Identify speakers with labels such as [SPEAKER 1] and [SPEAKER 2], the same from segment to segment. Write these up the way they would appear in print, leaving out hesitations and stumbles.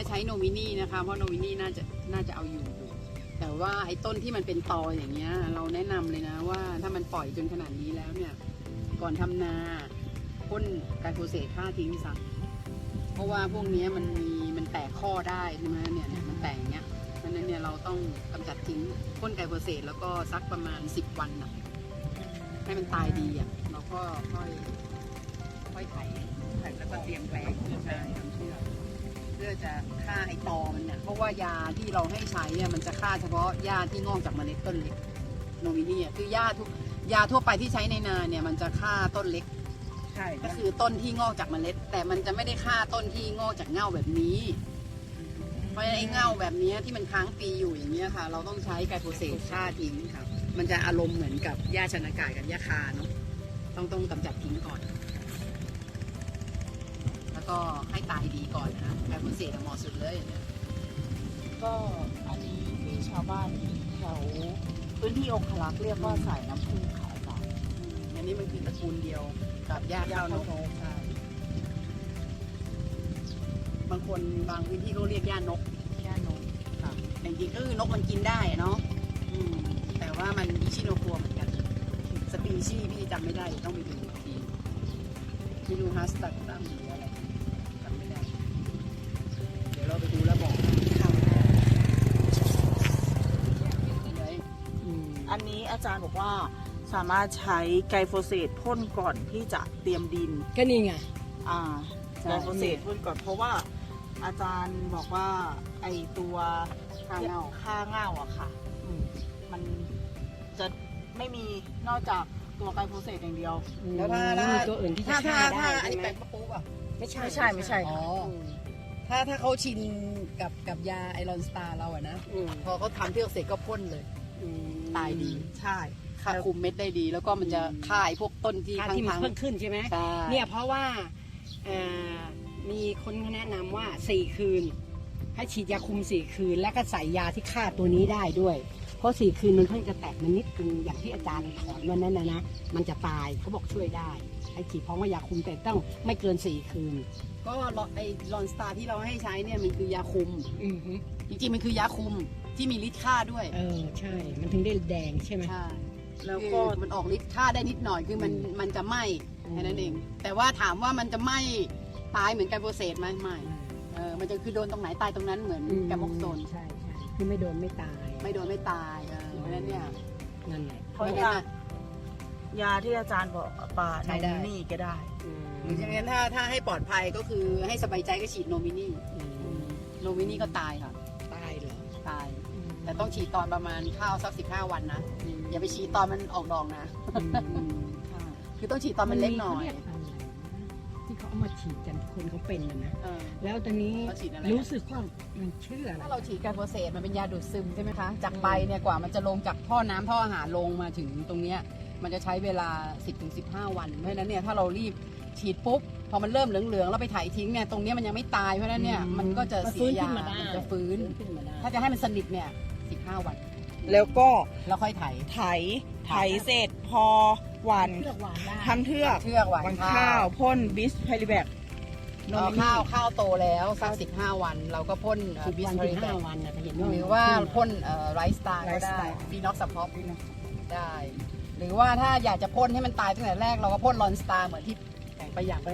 [SPEAKER 1] ใช้โนมินีนะคะเพราะโนมินีน่าจะเอาอยู่แต่ว่าไอ้ต้นที่มันเป็นตออย่างเงี้ยเราแนะนำเลยนะว่าถ้ามันปล่อยจนขนาดนี้แล้วเนี่ยก่อนทำนาพ่นไกลโฟเสตฆ่าทิ้งซะเพราะว่าพวกนี้มันแตกข้อได้ใช่ไหมเนี่ยมันแตกอย่างเงี้ยเพราะฉะนั้นเนี่ยเราต้องกำจัดทิ้งพ่นไกลโฟเสตแล้วก็ซักประมาณ10 วันนะให้มันตายดีอ่ะเราก็ค่อยไถแล้วก็เตรียมแปลงเพื่อจะทำเพื่อจะฆ่าไอ้ตอมันเนี่ยเพราะว่ายาที่เราให้ใช้เนี่ยมันจะฆ่าเฉพาะหญ้าที่งอกจากเมล็ดต้นเล็กโนมินีคือหญ้ายาทั่วไปที่ใช้ในนาเนี่ยมันจะฆ่าต้นเล็กใช่ก็คือต้นที่งอกจากเมล็ดแต่มันจะไม่ได้ฆ่าต้นที่งอกจากเง่าแบบนี้เพราะไอ้เง่าแบบนี้ที่มันค้างปีอยู่อย่างเงี้ยค่ะเราต้องใช้ไกลโฟเสตฆ่าทิ้งครับมันจะอารมณ์เหมือนกับหญ้าชนากาศกับหญ้าคาเนาะต้องกำจัดทิ้งก่อนแล้วก็ให้ตายดีก่อนนะไกลโฟเสตเหมาะสุดเลย
[SPEAKER 2] ก็อันนี้ที่ชาวบ้านแถวพื้นที่องครักษ์เรียกว่าสายน้ำผึ้งขาวดำ
[SPEAKER 1] อันนี้มันคือตระกูลเดียวกับหญ้าข้าวนกใช่บางคนบางพื้นที่เขาเรียกหญ้านกครับแต่จริงๆก็คือนกมันกินได้เนาะแต่ว่ามันอิชิโนโคเหมือนกันสปีชีส์พี่จำไม่ได้ต้องไปดูอีกทีไม่รู้ฮัสตัดตั้งหรืออะไรจำไม่ได้เดี๋ยวเราไปดูแล้วบอก
[SPEAKER 2] อันนี้อาจารย์บอกว่าสามารถใช้ไกลโฟเสตพ่นก่อนที่จะเตรียมดิน
[SPEAKER 3] ก็นี่ไง
[SPEAKER 2] ไกลโฟเสตพ่นก่อนเพราะว่าอาจารย์บอกว่าไอตัวค่าเง่าอะค่ะมันจะไม่มีนอกจากตัวไกลโฟเสตอย่างเดียว
[SPEAKER 1] แล้วถ้า
[SPEAKER 3] มีตัวอื่นที่จะฆ่าได้
[SPEAKER 1] ไอ้แปะมะปูอ่ะ
[SPEAKER 3] ไม่ใช่
[SPEAKER 1] อ๋อถ้าเขาชินกับยาไอรอนสตาร์เราอะนะพอเขาทำเทือกเสร็จก็พ่นเลยตายดี
[SPEAKER 2] ใช่
[SPEAKER 1] ฆ่าคุมเม็ดได้ดีแล้วก็มันจะฆ่าไอ้พวกต้นที่
[SPEAKER 3] มันเพิ่มขึ้นใช่ไหมเนี่ยเพราะว่ามีคนแนะนำว่า4 คืนให้ฉีดยาคุม4 คืนแล้วก็ใส่ยาที่ฆ่าตัวนี้ได้ด้วยเพราะ4 คืนมันเพิ่งจะแตกมันนิดนึงอย่างที่อาจารย์ถอนวันนั้นนะมันจะตายเขาบอกช่วยได้ให้ฉีดพร้อมกับยาคุมแต่ต้องไม่เกิน4 คืน
[SPEAKER 1] ก็ไอรอนสตาร์ที่เราให้ใช้เนี่ยมันคือยาคุมจริงๆมันคือยาคุมที่มีฤทธิ์ฆ่าด้วย
[SPEAKER 3] ใช่มันถึงได้แดงใช่ไหม
[SPEAKER 1] ใช่แล้วก็มันออกฤทธิ์ฆ่าได้นิดหน่อยคือมันจะไหม้แค่นั้นเองแต่ว่าถามว่ามันจะไหม้ตายเหมือนไกลโฟเสตไหมไม่มันจะคือโดนตรงไหนตายตรงนั้นเหมือนแกมอกโซน
[SPEAKER 3] ใช่คือไม่โดนไม่ตาย
[SPEAKER 1] เพราะฉะนั้นเนี่ย
[SPEAKER 3] นั่นแหละ
[SPEAKER 2] เพราะยาที่อาจารย์บอกปาโนมินีก็ได้
[SPEAKER 1] หรืออย่างนั้นถ้าให้ปลอดภัยก็คือให้สบายใจก็ฉีดโนมินีก็ตายค่ะ
[SPEAKER 3] ตายเหรอ
[SPEAKER 1] ตายแต่ต้องฉีดตอนประมาณข้าวสัก15 วันนะอย่าไปฉีดตอนมันออกดอกนะคือต้องฉีดตอนมันเล็กหน่อย
[SPEAKER 3] ที่เขาเอามาฉีดกันคนเขาเป็นนะแล้วตอนนี้รู้สึกว่ามันเชื่อ
[SPEAKER 1] ถ้าเราฉีดไกลโฟเสตมันเป็นยาดูดซึมใช่ไหมคะจากใบเนี่ยกว่ามันจะลงจากท่อน้ำท่ออาหารลงมาถึงตรงเนี้ยมันจะใช้เวลา 10-15 วันเพราะฉะนั้นเนี่ยถ้าเรารีบฉีดปุ๊บพอมันเริ่มเหลืองๆแล้วไปถ่ายทิ้งเนี่ยตรงนี้มันยังไม่ตายเพราะฉะนั้นเนี่ยมันก็จะเสียยาจะฟื้นถ้าจะให้มันสนิทเนี่ย15 วัน
[SPEAKER 2] แล้วก็
[SPEAKER 1] เราค่อยไถ
[SPEAKER 2] เสร็จพอหวานทำเทือก
[SPEAKER 1] หวาน
[SPEAKER 2] ข้าวพ่นบิสไพริแบค
[SPEAKER 1] ข้าวโตแล้วสัก15 วันเราก็พ่นบิสไพริแบคหรือว่าพ่นไรซ์สตาร์ก็ได้ฟีน็อกซัพพอร์ตได้หรือว่าถ้าอยากจะพ่นให้มันตายตั้งแต่แรกเราก็พ่นลอนสตาร์เหมือนที่ไปอย่าง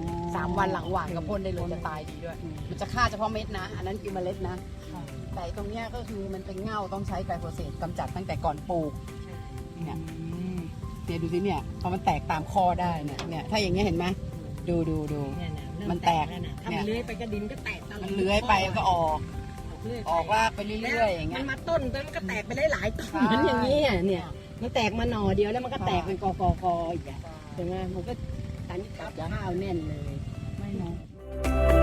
[SPEAKER 1] 3 วันหลังหวานก็พ่นได้เลยจะตายดีด้วยมันจะฆ่าเฉพาะเม็ดนะอันนั้นคือเมล็ดนะแต่ตรงเนี้ยก็คือมันเป็นเง่าต้องใช้ไกลโฟเสตกำจัดตั้งแต่ก่อนปลูกเนี่ยดูสิเนี่ยพอมันแตกตามคอได้เนี่ยถ้าอย่างเงี้ยเห็นไหมดูมันแตก
[SPEAKER 3] ถ้ามันเลื้อยไปกระดินก็แตก
[SPEAKER 1] มันเลื้อยไปก็ออกว่าไปเรื่อยๆอย่างเงี้ย
[SPEAKER 3] มันมาต้นแล้วมันก็แตกไปได้หลายต้นเหมือนอย่างนี้เนี่ยมันแตกมาหน่อเดียวแล้วมันก็แตกเป็นกออีกใช่ไหมมันก็ตันกับข้าวแน่นเลย
[SPEAKER 1] ไม่เนาะ